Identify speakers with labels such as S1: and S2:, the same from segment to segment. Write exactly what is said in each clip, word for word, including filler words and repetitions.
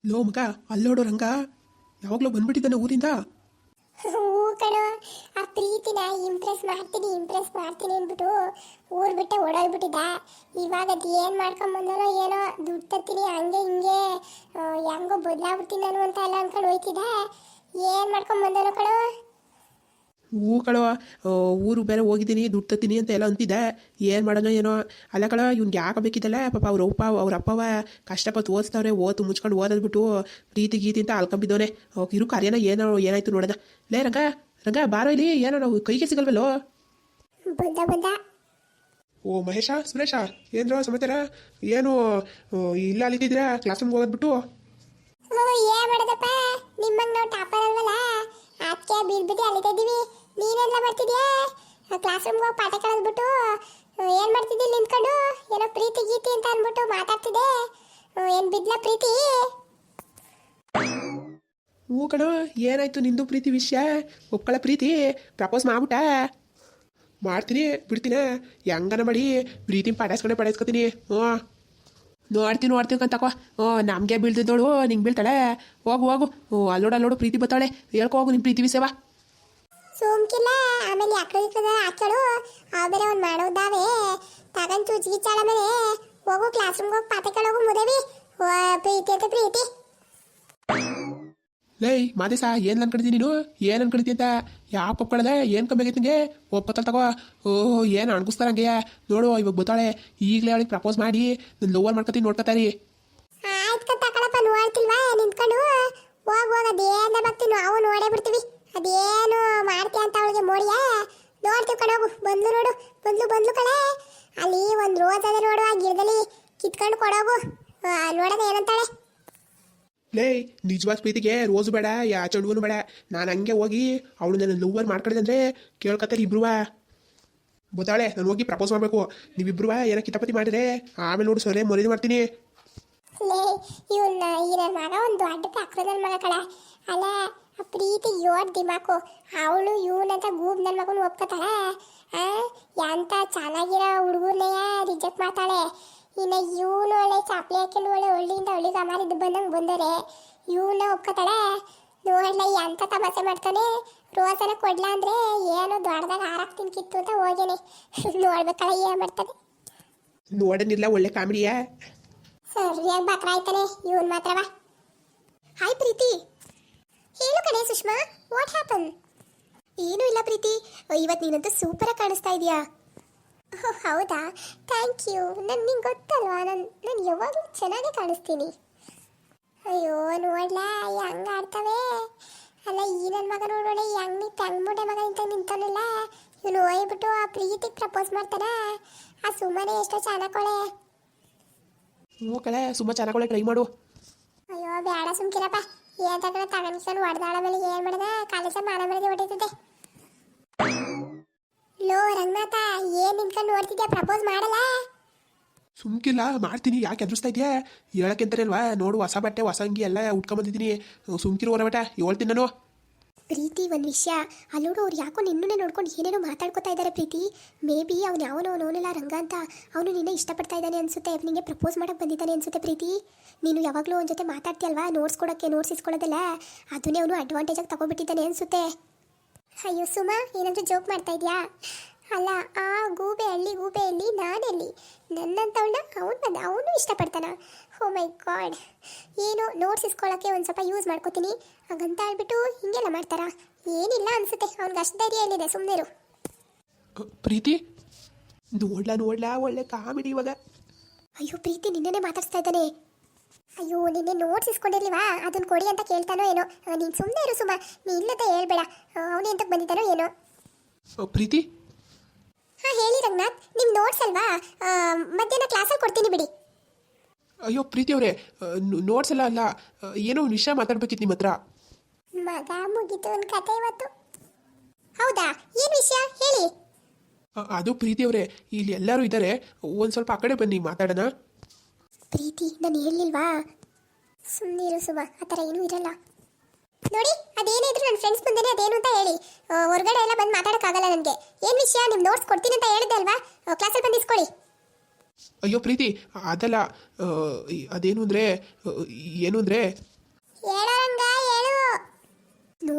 S1: Low ಮಗ ಅಲ್ಲೋಡು ರಂಗ ಯಾವಾಗಲೂ ಬಂದ್ಬಿಟ್ಟಿದ್ದಾನೆ ಊರಿಂದ.
S2: ಹೂ ಕಣೋ, ಆ ಪ್ರೀತಿನ ಇಂಪ್ರೆಸ್ ಮಾಡ್ತೀನಿ ಇಂಪ್ರೆಸ್ ಮಾಡ್ತೀನಿ ಅಂದ್ಬಿಟ್ಟು ಊರ್ ಬಿಟ್ಟೆ ಓಡೋಗ್ಬಿಟ್ಟಿದ್ದ. ಇವಾಗ ಅದು ಏನು ಮಾಡ್ಕೊಂಡ್ ಬಂದನೋ ಏನೋ, ದುಡ್ಡು ತತ್ತೀನಿ ಹಂಗೆ ಹಿಂಗೆ ಆ, ಹೆಂಗೋ ಬದಲಾಗ್ಬಿಡ್ತೀನಿ ನಾನು ಅಂತ ಎಲ್ಲ ಅನ್ಕೊಂಡು ಹೋಯ್ತಿದ್ದ. ಏನು ಮಾಡ್ಕೊಂಡ್ ಬಂದನೋ ಕಣೋ.
S1: ಹೂ ಕಳೋ, ಊರು ಬೇರೆ ಹೋಗಿದ್ದೀನಿ ದುಡ್ಡು ತತ್ತೀನಿ ಅಂತ ಎಲ್ಲ ಅಂತಿದ್ದೆ. ಏನು ಮಾಡೋಣ ಏನೋ. ಅಲ್ಲ ಕಳ ಇವ್ನಿಗೆ ಯಾಕೆ ಬೇಕಿದ್ದಲ್ಲ ಪಾಪ ಅವ್ರ ಅಪ್ಪ ಅವ್ರ ಅಪ್ಪವ ಕಷ್ಟಪಟ್ಟು ಓದಿಸ್ತವ್ರೆ, ಓದು ಮುಚ್ಕೊಂಡು ಓದದ್ಬಿಟ್ಟು ಪ್ರೀತಿ ಗೀತಿ ಅಂತ ಅಲ್ಕೊಂಬಿದ್ದವನೆ. ಇರು ಕಾರ್ಯನ ಏನೋ ಏನಾಯ್ತು ನೋಡೋಣ. ಲೇ ರಂಗ ರಂಗ ಬಾರೋ ಇಲ್ಲಿ, ಏನೋ ನಾವು ಕೈಗೆ ಸಿಗಲ್ವಲ್ಲೋ.
S2: ಬಂದ ಬಂದ
S1: ಓ ಮಹೇಶ ಸುರೇಶ ಏನ್ರೋ ಸಮಾಚಾರ? ಏನು ಇಲ್ಲ ಅಲ್ಲಿದ್ದಿದ್ದೀರಾ ಕ್ಲಾಸ್ ರೂಮ್ಗೆ ಹೋಗೋದ್ಬಿಟ್ಟು?
S2: ಹ್ಞೂ ಏನ್ ಮಾಡೋದಪ್ಪ, ನಿಮ್ಮಂಗ್ ನಾವು ಟಾಪರ್ ಅಲ್ವಲ್ಲ, ಅದಕ್ಕೆ ಬೀಳ್ಬಿಟ್ಟು ಅಲ್ಲಿತಾ ಇದೀವಿ. ನೀನೆಲ್ಲ ಮಾಡ್ತಿದ್ಯಾ? ಕ್ಲಾಸ್ ರೂಮ್ಗೆ ಹೋಗಿ ಪಾಠ ಕಳೆದ್ಬಿಟ್ಟು ಏನ್ ಮಾಡ್ತಿದ್ದಿ ನಿಂತ್ಕೊಂಡು? ಏನೋ ಪ್ರೀತಿ ಗೀತಿ ಅಂತ ಅಂದ್ಬಿಟ್ಟು ಮಾತಾಡ್ತಿದ್ದೆ. ಏನ್ ಬಿದ್ಲ ಪ್ರೀತಿ?
S1: ಹ್ಞೂ ಕಣೋ, ಏನಾಯ್ತು ನಿಂದು ಪ್ರೀತಿ ವಿಷಯ? ಒಪ್ಕೊಳ್ಳೋ ಪ್ರೀತಿ ಪ್ರಪೋಸ್ ಮಾಡ್ಬಿಟ್ಟ? ಮಾಡ್ತೀನಿ ಬಿಡ್ತೀನಿ, ಹೆಂಗನ ಮಾಡಿ ಪ್ರೀತಿ ಪಡಾಯಿಸ್ಕೊಂಡೆ ಪಡಾಯಿಸ್ಕೊತೀನಿ. ಹ್ಞೂ ನೋಡ್ತೀನಿ ನೋಡ್ತೀನಿ ಕಂತಕೋ. ಹ್ಞೂ ನಮಗೆ ಬೀಳ್ತಿದ್ದೋಳು ನಿಂಗೆ ಬೀಳ್ತಾಳೆ. ಹೋಗು ಹೋಗು. ಹ್ಞೂ ಅಲ್ಲೋಡು ಅಲ್ಲೋಡು ಪ್ರೀತಿ ಬತ್ತಾಳೆ, ಹೇಳ್ಕೊ ಹೋಗು ನಿಮ್ಮ ಪ್ರೀತಿ ವಿಷಯವ.
S2: ಸೋಮ್ಕಿಲ್ಲ ಆಮೇಲೆ ಯಾಕಡೆ ಹಾಕ್ಯಾಳು ಆಮೇಲೆ ಅವ್ನು ಮಾಡೋದಾವೆ ತಗೊಂಡು ಚುಚ್ಗಿಚ್ಚಾಳ. ಮೇಲೆ ಹೋಗು ಕ್ಲಾಸ್ ರೂಮ್ಗೆ ಹೋಗಿ ಪಾಠ ಕೇಳೋಗು ಮುದೇವಿ. ಪ್ರೀತಿ ಅಂತ ಪ್ರೀತಿ.
S1: ಲೈ ಮಾದೇಶ ಏನು ಅನ್ಕೊಂಡಿದ್ದೀನಿ ನೀನು? ಏನು ಅನ್ಕೊಂಡಿದ್ದಿ ಅಂತ ಯಾಕೆ ಒಪ್ಕೊಳ್ಳದೆ? ಏನು ಕಮ್ಮಿ ಆಗೈತೆ ನಿಂಗೆ? ಒಪ್ಪತ್ತಲ್ಲ ತಗೋ. ಓಹ್ ಏನು ಅಣ್ಗಿಸ್ತಾರಂಗೆ ನೋಡು. ಇವಾಗ ಬತ್ತಾಳೆ, ಈಗಲೇ ಅವಳಿಗೆ ಪ್ರಪೋಸ್ ಮಾಡಿ ನಾನು ಲೋವರ್ ಮಾಡ್ಕೊತೀನಿ, ನೋಡ್ಕೊತಾರಿ.
S2: ಆಯ್ತು ತಗೊಳಪ್ಪ, ನೋಡ್ತಿಲ್ವಾ ನಿಂತ್ಕೊಂಡು? ಹೋಗ್ ಹೋಗ ಅದೇನ ಬರ್ತೀವಿ ನಾವು ನೋಡೇ ಬಿಡ್ತೀವಿ. ಅದೇನು ಮಾಡ್ತೀಯ ಅಂತ ಅವಳಿಗೆ ಮೋಡಿಯಾ ನೋಡ್ತೀವಿ ಕಣೋಗು. ಬಂದ್ಲು ನೋಡು, ಬಂದ್ಲು ಬಂದ್ಲು ಕಳೆ. ಅಲ್ಲಿ ಒಂದು ರೋಸ್ ಅದ ನೋಡು, ಆ ಗಿಡದಲ್ಲಿ ಕಿತ್ಕೊಂಡು ಕೊಡೋಗು. ನೋಡೋದು ಏನಂತಾಳೆ.
S1: ಲೇ ನಿಜವಾದ ಪ್ರೀತಿಗೆ ರೋಸು ಬೇಡ, ಯಾ ಚೆಂಡುವನು ಬೇಡ. ನಾನು ಹಂಗೆ ಹೋಗಿ ಅವಳು ನನ್ನ ಲೋವರ್ ಮಾಡ್ಕೊಂಡಿದ್ದಂದ್ರೆ ಕೇಳ್ಕೊತಾರೆ ಇಬ್ರುವ. ಗೊತ್ತಾಳೆ ನಾನು ಹೋಗಿ ಪ್ರಪೋಸ್ ಮಾಡಬೇಕು. ನೀವಿಬ್ರುವ ಏನೋ ಕಿತಾಪತಿ ಮಾಡಿದ್ರೆ ಆಮೇಲೆ ನೋಡು ಸೊಲೆ ಮರಿದು ಮಾಡ್ತೀನಿ.
S2: ಲೇ ಇವನ್ನ ಈ ನನ್ನ ಮಗ ಒಂದು ದೊಡ್ಡ ಪಕ್ರ ನನ್ನ ಮಗ ಕಳ. ಅಲ್ಲ ಆ ಪ್ರೀತಿ ಯೋಡ್ ದಿಮಾಕು. ಅವಳು ಇವನಂತ ಗೂಬ್ ನನ್ನ ಮಗನ ಒಪ್ಕೋತಾಳೆ. ಎಂತ ಚೆನ್ನಾಗಿರೋ ಹುಡುಗರ್ನೆಯ ರಿಜೆಕ್ಟ್ ಮಾಡ್ತಾಳೆ. ಇನ್ನು ಇವನು ಒಳ್ಳೆ ಚಾಪ್ಲಿ ಹಾಕೊಂಡು ಒಳ್ಳೆ ಒಳ್ಳೆಯಿಂದ ಒಳ್ಳೆಗೆ ಅಮಾರಿದ್ದು ಬಂದಂಗೆ ಬಂದರೆ ಇವನ್ನ ಒಪ್ಕೋತಾಳೆ. ನೋಡ್ಲ ಎಂತ ತಮಾಷೆ ಮಾಡ್ತಾನೆ. ರೋಸನ ಕೊಡ್ಲಾ ಅಂದ್ರೆ ಏನೋ ದೊಡ್ಡದಾಗ ಹಾರಾಕ್ತೀನಿ ಕಿತ್ತು ಅಂತ ಹೋಗೇನೆ. ನೋಡ್ಬೇಕಲ್ಲ ಏನು ಮಾಡ್ತಾನೆ.
S1: ನೋಡನಿಲ್ಲ ಒಳ್ಳೆ ಕಾಮಿಡಿಯಾ.
S2: ಸರಿಯಾಗಿ ಬಕ್ರ ಆಯ್ತಾನೆ ಇವನ್ ಮಾತ್ರವಾ. ಹಾಯ್ ಪ್ರೀತಿ. ಹೇಳು ಕಣೆ ಸುಷ್ಮಾ, ವಾಟ್ ಹ್ಯಾಪನ್? ಏನೂ ಇಲ್ಲ ಪ್ರೀತಿ, ಇವತ್ತು ನೀನಂತೂ ಸೂಪರಾಗಿ ಕಾಣಿಸ್ತಾ ಇದೆಯಾ. ಓಹ್ ಹೌದಾ, ಥ್ಯಾಂಕ್ ಯು. ನಾನು ನಿಂಗೆ ಗೊತ್ತಲ್ವಾ, ನಾನು ನಾನು ಯಾವಾಗಲೂ ಚೆನ್ನಾಗೇ ಕಾಣಿಸ್ತೀನಿ. ಅಯ್ಯೋ ನೋಡ್ಲಾ ಹೆಂಗ ಆಡ್ತವೆ. ಅಲ್ಲ ಈ ನನ್ನ ಮಗ ನೋಡೋಣ ಹೆಂಗ್ ನೀ ತೆಂಗ್ಮುಡೆ ಮಗ ಇಂತ ನಿಂತಾನಲ್ಲ. ಇವನು ಹೋಗ್ಬಿಟ್ಟು ಆ ಪ್ರೀತಿಗೆ ಪ್ರಪೋಸ್ ಮಾಡ್ತಾನ. ಆ ಸುಮ್ಮನೆ ಎಷ್ಟೋ ಚೆನ್ನಾಕೊಳೆ.
S1: ಹ್ಞೂ ಕಳೆ ತುಂಬ ಚೆನ್ನಾಗಿ ಟ್ರೈ ಮಾಡು.
S2: ಅಯ್ಯೋ ಬೇಡ ಸುಮ್ಕಿರಪ್ಪ. ಏನ್ ತಗೊಂಡು ತಗೊಂಡ್ಕೊಂಡು ಹೊಡೆದಾಳ ಮೇಲೆ ಏನು ಮಾಡಿದ ಕಾಲೇಜ ಮಾನ ಮೇಲೆ ಹೊಡಿತದೆ. ಲೋ ರಂಗನಾಥ, ಏನ್ ನಿಂತ್ಕೊಂಡು ನೋಡ್ತಿದ್ಯಾ? ಪ್ರಪೋಸ್ ಮಾಡಲ್ಲ?
S1: ಸುಮ್ಕಿಲ್ಲ ಮಾಡ್ತೀನಿ, ಯಾಕೆ ಎದುರಿಸ್ತಾ ಇದೆಯಾ? ಹೇಳಕ್ಕೆಂತಾನೆ ಅಲ್ವಾ? ನೋಡು ಹೊಸ ಬಟ್ಟೆ ಹೊಸ ಅಂಗಿ ಎಲ್ಲ ಉಟ್ಕೊಂಬಂದಿದ್ದೀನಿ. ಸುಮ್ಕಿರು ಹೊರಬಟ, ಹೇಳ್ತೀನಿ ನಾನು.
S2: ಪ್ರೀತಿ ಒಂದು ವಿಷಯ, ಅಲ್ಲೋಡು ಅವ್ರು ಯಾಕೋ ನಿನ್ನೇ ನೋಡ್ಕೊಂಡು ಏನೇನೋ ಮಾತಾಡ್ಕೊತಾ ಇದ್ದಾರೆ ಪ್ರೀತಿ. ಮೇ ಬಿ ಅವ್ನು ಯಾವನೋ ಅವನೋನೆಲ್ಲ ರಂಗ ಅಂತ ಅವನು ನಿನ್ನೆ ಇಷ್ಟಪಡ್ತಾ ಇದ್ದಾನೆ ಅನ್ಸುತ್ತೆ. ನಿನಗೆ ಪ್ರಪೋಸ್ ಮಾಡಕ್ಕೆ ಬಂದಿದ್ದಾನೆ ಅನ್ಸುತ್ತೆ ಪ್ರೀತಿ. ನೀನು ಯಾವಾಗಲೂ ಅವನ ಜೊತೆ ಮಾತಾಡ್ತೀಯಲ್ವಾ, ನೋಟ್ಸ್ ಕೊಡೋಕ್ಕೆ ನೋಟ್ಸ್ ಇಸ್ಕೊಳ್ಳೋದಲ್ಲ, ಅದನ್ನೇ ಅವನು ಅಡ್ವಾಂಟೇಜಾಗಿ ತಗೊಬಿಟ್ಟಿದ್ದಾನೆ ಅನ್ಸುತ್ತೆ. ಅಯ್ಯೋ ಸುಮಾ, ಏನಾದರೂ ಜೋಕ್ ಮಾಡ್ತಾ ಇದೆಯಾ? ಅಲ್ಲ ಆ ಗೂಬೆ ಹಳ್ಳಿ ಗೂಬೆ ಹಳ್ಳಿ ನಾನೆಲ್ಲಿ? ನನ್ನಂತವಳನ್ನ ಅವನು ಬಂದ ಅವನು ಇಷ್ಟಪಡ್ತಾನ? ಓ ಮೈ ಗಾಡ್. ಏನು ನೋಟ್ಸ್ ಇಸ್ಕೊಳ್ಳೋಕ್ಕೆ ಒಂದು ಸ್ವಲ್ಪ ಯೂಸ್ ಮಾಡ್ಕೋತೀನಿ ಹಾಗಂತ ಹೇಳ್ಬಿಟ್ಟು ಹಿಂಗೆಲ್ಲ ಮಾಡ್ತಾರಾ? ಏನಿಲ್ಲ ಅನ್ಸುತ್ತೆ, ಅವ್ನಿಗೆ ಅಷ್ಟು ಧೈರ್ಯ ಎಲ್ಲಿದೆ, ಸುಮ್ಮನೆರು.
S1: ಪ್ರೀತಿ ನೋಡ್ಲಾ ನೋಡ್ಲಾ ಒಳ್ಳೆ ಕಾಮಿಡಿ ಇವಾಗ.
S2: ಅಯ್ಯೋ ಪ್ರೀತಿ ನಿನ್ನೆ ಮಾತಾಡ್ಸ್ತಾ ಇದ್ದಾನೆ. ಅಯ್ಯೋ ನಿನ್ನೆ ನೋಟ್ಸ್ ಇಸ್ಕೊಂಡಿರ್ಲಿವಾ, ಅದನ್ನ ಕೊಡಿ ಅಂತ ಕೇಳ್ತಾನೋ ಏನೋ. ನೀನು ಸುಮ್ಮನೆ ಇರು ಸುಮಾ, ನೀ ಇಲ್ಲದ ಹೇಳ್ಬೇಡ. ಅವನು ಎಂತಕ್ಕೆ ಬಂದಿದ್ದಾನೋ ಏನೋ.
S1: ಪ್ರೀತಿ
S2: ಹಾಂ ಹೇಳಿ ರಂಗನಾಥ್, ನಿಮ್ಮ ನೋಟ್ಸ್ ಅಲ್ವಾ? ಮಧ್ಯಾಹ್ನ ಕ್ಲಾಸಲ್ಲಿ ಕೊಡ್ತೀನಿ ಬಿಡಿ.
S1: ಅಯ್ಯೋ ಪ್ರೀತಿ ಅವರೇ, ನೋಟ್ಸ್ ಎಲ್ಲ ಅಲ್ಲ, ಏನೋ ಒಂದು ವಿಷಯ ಮಾತಾಡ್ಬೇಕಿತ್ತು ನಿಮ್ಮ ಹತ್ರ.
S2: ಮಗ ಮುಗಿತು ಒಂದು ಕತೆ ಇವತ್ತು. ಹೌದಾ, ಏನು ವಿಷಯ ಹೇಳಿ.
S1: ಅದು ಪ್ರೀತಿ ಅವರೇ, ಇಲ್ಲಿ ಎಲ್ಲರೂ ಇದ್ದಾರೆ, ಒಂದು ಸ್ವಲ್ಪ ಆ ಕಡೆ ಬನ್ನಿ ಮಾತಾಡೋಣ.
S2: ಪ್ರೀತಿ ನಾನು ಹೇಳಿಲ್ವಾ? ಸುಮ್ಮನಿರು ಸುಮಾ, ಆ ಥರ ಏನೂ ಇರಲ್ಲ. ನೋಡಿ ಅದೇನೇ ಇದ್ರು ನನ್ನ ಫ್ರೆಂಡ್ಸ್ ಮುಂದೆನೇ ಅದೇನು ಅಂತ ಹೇಳಿ. ಹೊರಗಡೆ ಎಲ್ಲ ಬಂದು ಮಾತಾಡೋಕ್ಕಾಗಲ್ಲ ನನಗೆ. ಏನು ವಿಷಯ? ನಿಮ್ಮ ನೋಟ್ಸ್ ಕೊಡ್ತೀನಿ ಅಂತ ಹೇಳಿದೆ ಅಲ್ವಾ, ಕ್ಲಾಸಲ್ಲಿ ಬಂದು ಇಸ್ಕೊಳ್ಳಿ.
S1: ಅಯ್ಯೋ ಪ್ರೀತಿ ಅದಲ್ಲ, ಅದೇನು ಅಂದರೆ ಏನು ಅಂದರೆ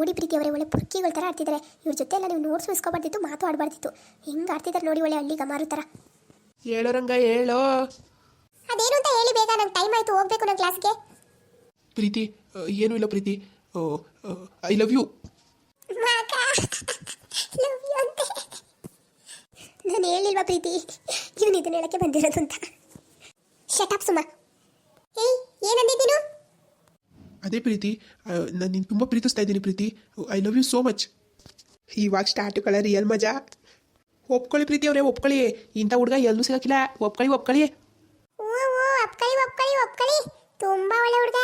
S2: ನೋಡಿ ಪ್ರೀತಿ ಅವರೇ ಒಳ್ಳೆ ಪುರ್ಕಿಗಳ ಥರ ಆಡ್ತಿದ್ದಾರೆ. ಇವ್ರ ಜೊತೆ ಎಲ್ಲ ನೀವು ನೋಟ್ಸ್ ಇಸ್ಕೊಬಾರ್ದಿತ್ತು, ಮಾತು ಆಡಬಾರ್ದಿತ್ತು. ಹೆಂಗೆ ಆಡ್ತಿದ್ದಾರೆ ನೋಡಿ, ಒಳ್ಳೆ ಹಳ್ಳಿ ಗಮಾರು ಥರ.
S1: ಹೇಳೋ ರಂಗ ಹೇಳೋ.
S2: ಅದೇನು ಅಂತ ಹೇಳಿ ಬೇಗ, ನಂಗೆ ಟೈಮ್ ಆಯಿತು, ಹೋಗ್ಬೇಕು ನನ್ನ ಕ್ಲಾಸ್ಗೆ.
S1: ಪ್ರೀತಿ ಏನೂ ಇಲ್ಲ ಪ್ರೀತಿ, ಐ ಲವ್ ಯು.
S2: ನಾನು ಹೇಳಿಲ್ವಾ ಪ್ರೀತಿ ಇವನು ಇದನ್ನ ಹೇಳಕ್ಕೆ ಬಂದಿರೋದು ಅಂತ. ಶಟಪ್ ಸುಮಾ. ಏಯ್ ಏನಂದಿದ್ದೀನು?
S1: ಅದೇ ಪ್ರೀತಿ, ನಾನು ನಿನ್ನ ತುಂಬ ಪ್ರೀತಿಸ್ತಾ ಇದ್ದೀನಿ Preethi. I love you so much. ಇವಾಗ ಸ್ಟಾರ್ಟು ಕಳ ರಿಯಲ್ ಮಜಾ. ಒಪ್ಕೊಳ್ಳಿ ಪ್ರೀತಿ ಅವರೇ, ಒಪ್ಕೊಳ್ಳಿ. ಇಂಥ ಹುಡುಗ ಎಲ್ಲೂ ಸಿಗಕ್ಕಿಲ್ಲ. ಒಪ್ಕೊಳ್ಳಿ ಒಪ್ಕೊಳ್ಳಿ.
S2: ಓ ಓ ಒಪ್ಕೊಳ್ಳಿ ಒಪ್ಕೊಳ್ಳಿ ಒಪ್ಕೊಳ್ಳಿ. ತುಂಬಾ ಒಳ್ಳೆ ಹುಡುಗ.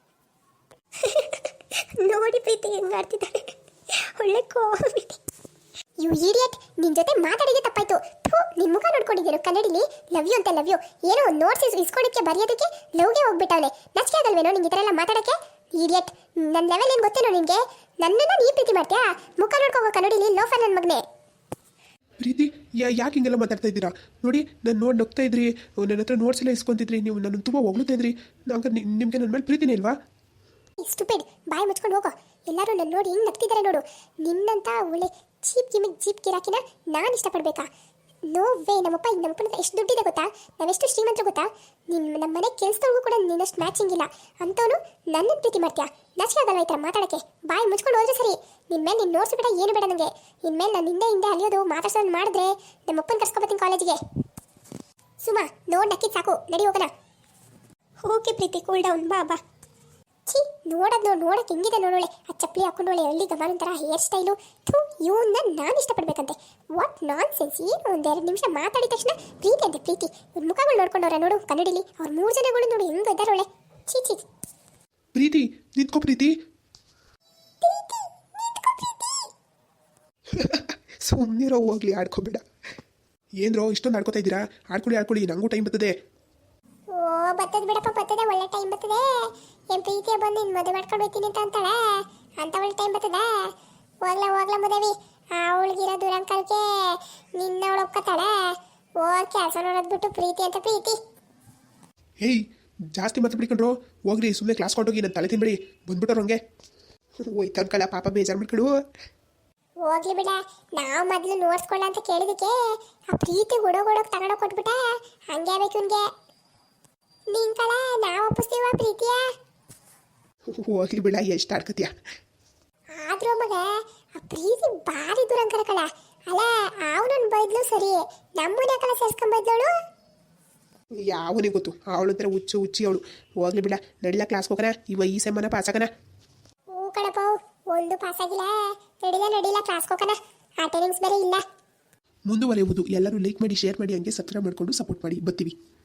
S2: ನೋಡಿ ಪ್ರೀತಿ ಹೆಂಗೆ ಆಡ್ತಿದ್ದಾರೆ, ಒಳ್ಳೆ ಕಾಮಿಡಿ. ಯು ಇಡಿಯಟ್, ನಿನ್ನ ಜೊತೆ ಮಾತಾಡಿಗೆ ತಪ್ಪಾಯ್ತು. ಥೂ, ನಿನ್ನ ಮುಖ ನೋಡ್ಕೊಂಡಿದ್ದೀರು ಕನ್ನಡಿಲಿ. ಲವ್ ಯು ಅಂತ ಲವ್ ಯು ಏನೋ ಒಂದು ನೋಟ್ಸ್ ಇಸ್ಕೊಳಕ್ಕೆ ಬರೆಯೋದಕ್ಕೆ ಲವ್ಗೆ ಹೋಗ್ಬಿಟ್ಟವಳೆ. ನಚಿಕೆ ಆಗಲ್ವೇನೋ ನಿಂಗೆ ಈ ಥರ ಎಲ್ಲ ಮಾತಾಡೋಕ್ಕೆ? ಇಡಿಯಟ್, ನನ್ನ ಲೆವೆಲ್ ಏನು ಗೊತ್ತೇನೋ ನಿನಗೆ? ನನ್ನನ್ನು ನೀ ಪ್ರೀತಿ ಮಾಡ್ತೀಯಾ? ಮುಖ ನೋಡ್ಕೋಗೋ ಕನ್ನಡಿಲಿ, ಲೋಫರ್ ನನ್ನ ಮಗನೇ.
S1: ಪ್ರೀತಿ ಯಾ ಯಾಕೆ ಹಿಂಗೆಲ್ಲ ಮಾತಾಡ್ತಾ ಇದ್ದೀರಾ? ನೋಡಿ, ನಾನು ನೋಡಿ ನಗ್ತಾ ಇದ್ರಿ, ನನ್ನ ಹತ್ರ ನೋಟ್ಸ್ ಎಲ್ಲ ಇಸ್ಕೊಂತಿದ್ರಿ, ನೀವು ನನ್ನ ತುಂಬ ಹೊಗಳ್ತಾ ಇದ್ರಿ. ನಂಗೆ ನಿಮಗೆ ನನ್ನ ಮೇಲೆ ಪ್ರೀತಿನೇ ಇಲ್ವಾ?
S2: ಸ್ಟುಪಿಡ್, ಬಾಯಿ ಮುಚ್ಕೊಂಡು ಹೋಗೋ. ಎಲ್ಲರೂ ನನ್ನ ನೋಡಿ ಹಿಂಗೆ ನಗ್ತಿದ್ದಾರೆ ನೋಡು. ನಿನ್ನಂತ ಒಳ್ಳೆ ಚೀಪ್ ಗಿಮಿಕ್ ಜೀಪ್ ಗಿರಾಕಿನ ನಾನು ಇಷ್ಟಪಡಬೇಕಾ? No way. ನಮ್ಮಪ್ಪ ನಮ್ಮಪ್ಪನ ಹತ್ರ ಎಷ್ಟು ದುಡ್ಡಿದೆ ಗೊತ್ತಾ? ನಾವೆಷ್ಟು ಶ್ರೀಮಂತರು ಗೊತ್ತಾ? ನಿನ್ನ ನಮ್ಮ ಮನೆ ಕೆಲಸದವ್ರಿಗೂ ಕೂಡ ನಿನ್ನಷ್ಟು ಮ್ಯಾಚಿಂಗ್ ಇಲ್ಲ. ಅಂಥವನು ನನ್ನನ್ನು ಪ್ರೀತಿ ಮಾಡ್ತೀಯಾ? ನಾಚಿಕೆ ಆಗಲ್ವ ಈ ಥರ ಮಾತಾಡೋಕ್ಕೆ? ಬಾಯಿ ಮುಚ್ಕೊಂಡು ಹೋದ್ರೆ ಸರಿ. ನಿನ್ನ ಮೇಲೆ ನೀನು ನೋಟ್ಸ್ ಬೇಡ, ಏನು ಬೇಡ ನನಗೆ. ಇನ್ಮೇಲೆ ನಾನು ಹಿಂದೆ ಹಿಂದೆ ಅಲಿಯೋದು ಮಾತಾಡ್ಸೋದು ಮಾಡಿದ್ರೆ ನಮ್ಮಪ್ಪನ ಕರ್ಸ್ಕೊಬತ್ತೀನಿ ಕಾಲೇಜಿಗೆ. ಸುಮಾ, ನೋಡಿ ನಕ್ಕಿದ್ದು ಸಾಕು, ನಡಿ ಹೋಗೋಣ. ಓಕೆ ಪ್ರೀತಿ, ಕೂಲ್ ಡೌನ್, ಬಾ ಬಾ. ಛೀ, ನೋಡೋದು ನೋಡಿ ನೋಡೋಕೆ ಹೆಂಗಿದೆ ನೋಡೋಳೆ. ಆ ಚಪ್ಪಲಿ ಹಾಕೊಂಡೋಳೆ, ಹಳ್ಳಿ ಗಮಾನ ಥರ ಹೇರ್ ಸ್ಟೈಲು. ಥೂ, ಇವನ್ನ ನಾನು ಇಷ್ಟಪಡಬೇಕಂತೆ. What non sense. ಏನು ಒಂದೆರಡು ನಿಮಿಷ ಮಾತಾಡಿದ ತಕ್ಷಣ ಪ್ರೀತಿ ಅಂತೆ ಪ್ರೀತಿ. ಇವ್ರ ಮುಖಗಳು ನೋಡ್ಕೊಂಡವ್ರೆ ನೋಡು ಕನ್ನಡಿಲಿ. ಅವ್ರ ಮೂರು ಜನಗಳು ನೋಡಿ ಹೆಂಗೆ ಇದ್ದಾರೋಳೆ. ಛೀ ಛೀ.
S1: ಪ್ರೀತಿ ನಿಂತ್ಕೋ ಪ್ರೀತಿ. ಸುಮ್ಮನಿರೋ, ಹೋಗ್ಲಿ, ಆಡ್ಕೋಬೇಡ. ಏನ್ರೋ ಇಷ್ಟೊಂದು ಆಡ್ಕೋತಾ ಇದ್ದೀರಾ? ಆಡ್ಕೊಳ್ಳಿ ಆಡ್ಕೊಳ್ಳಿ, ನನಗೂ ಟೈಮ್ ಬರ್ತದೆ.
S2: ಓ ಬರ್ತದೆ ಬಿಡಪ್ಪ, ಬರ್ತದೆ, ಒಳ್ಳೆ ಟೈಮ್ ಬರ್ತದೆ. ಏನು ಪ್ರೀತಿಯ ಬಂದು ನಿನ್ನ ಮದುವೆ ಮಾಡ್ಕೊಂಡು ಹೋಗ್ತೀನಿ ಅಂತ ಅಂತಾಳೆ ಅಂತ ಒಳ್ಳೆ ಟೈಮ್ ಬರ್ತದೆ. ಹೋಗ್ಲಾ ಹೋಗ್ಲಾ ಮದುವೆ. ಅವಳಿಗಿರೋ ದುರಂಕಲ್ಗೆ ನಿನ್ನ ಅವಳು ಒಪ್ಕೊತಾಳೆ. ಹೋಗಿ ಕೆಲಸ ನೋಡೋದು ಬಿಟ್ಟು ಪ್ರೀತಿ ಅಂತ ಪ್ರೀತಿ.
S1: ಹೇಯ್, ಜಾಸ್ತಿ ಮಾತು ಬಿಡ್ಕೊಂಡ್ರು. ಹೋಗ್ರಿ, ಸುಮ್ಮನೆ ಕ್ಲಾಸ್ ಕೊಟ್ಟೋಗಿ ನನ್ನ ತಲೆ ತಿನ್ಬಿಡಿ. ಬಂದ್ಬಿಟ್ಟವ್ರು ಹಂಗೆ. ಹೋಯ್ತು ಅನ್ಕಲ್ಲ, ಪಾಪ ಬೇಜಾರು ಮಾಡ್ಕೊಡು.
S2: ಹೋಗ್ಲಿ ಬಿಡ, ನಾವು ಮೊದಲು ನೋಡ್ಸ್ಕೊಳ್ಳ ಅಂತ ಕೇಳಿದಕ್ಕೆ ಆ ಪ್ರೀತಿ ಹುಡುಗೋಡೋಗಿ ತಗೊಂಡೋಗಿ ಕೊಟ್ಬಿಟ್ಟ. ಹಂಗೆ ಆಗ್ಬೇಕು ಇವನ್ಗೆ. ನಿನ್ ಕಳ ನಾವು ಒಪ್ಪಿಸ್ತೀವ ಪ್ರೀತಿಯ?
S1: ಹೋಗ್ಲಿ ಬಿಡ, ಎಷ್ಟು ಆಡ್ಕತ್ಯ.
S2: ಆದ್ರೂ ಮಗ ಆ ಪ್ರೀತಿ ಭಾರಿ ದುರಂಕರ ಕಳ. ಅಲ್ಲ, ಅವನನ್ನ ಬೈದ್ಲು ಸರಿ, ನಮ್ಮನೆ ಕಳ ಸೇರ್ಸ್ಕೊಂಬೈದ್ಲವಳು.
S1: ಯಾವನಿಗೆ ಗೊತ್ತು, ಅವಳು ಒಂಥರ ಹುಚ್ಚು ಹುಚ್ಚಿ ಅವಳು. ಹೋಗ್ಲಿ ಬಿಡ, ನಡಿಲ ಕ್ಲಾಸ್ ಹೋಗೋಣ. ಇವ ಈ ಸೆಮ್ಮನ ಪಾಸ್ ಆಗೋಣ.
S2: ಹ್ಞೂ ಕಣಪ್ಪ, ಒಂದು ಪಾಸ್ ಆಗಿಲ್ಲ. ನಡಿಲ ನಡಿಲ ಕ್ಲಾಸ್ ಹೋಗೋಣ, ಅಟೆಂಡೆನ್ಸ್ ಬೇರೆ ಇಲ್ಲ.
S1: ಮುಂದುವರೆಯುವುದು. ಎಲ್ಲರೂ ಲೈಕ್ ಮಾಡಿ, ಶೇರ್ ಮಾಡಿ, ಹಂಗೆ ಸಬ್ಸ್ಕ್ರೈಬ್ ಮಾಡಿಕೊಂಡು ಸಪೋರ್ಟ್ ಮಾಡಿ. ಬರ್ತೀವಿ.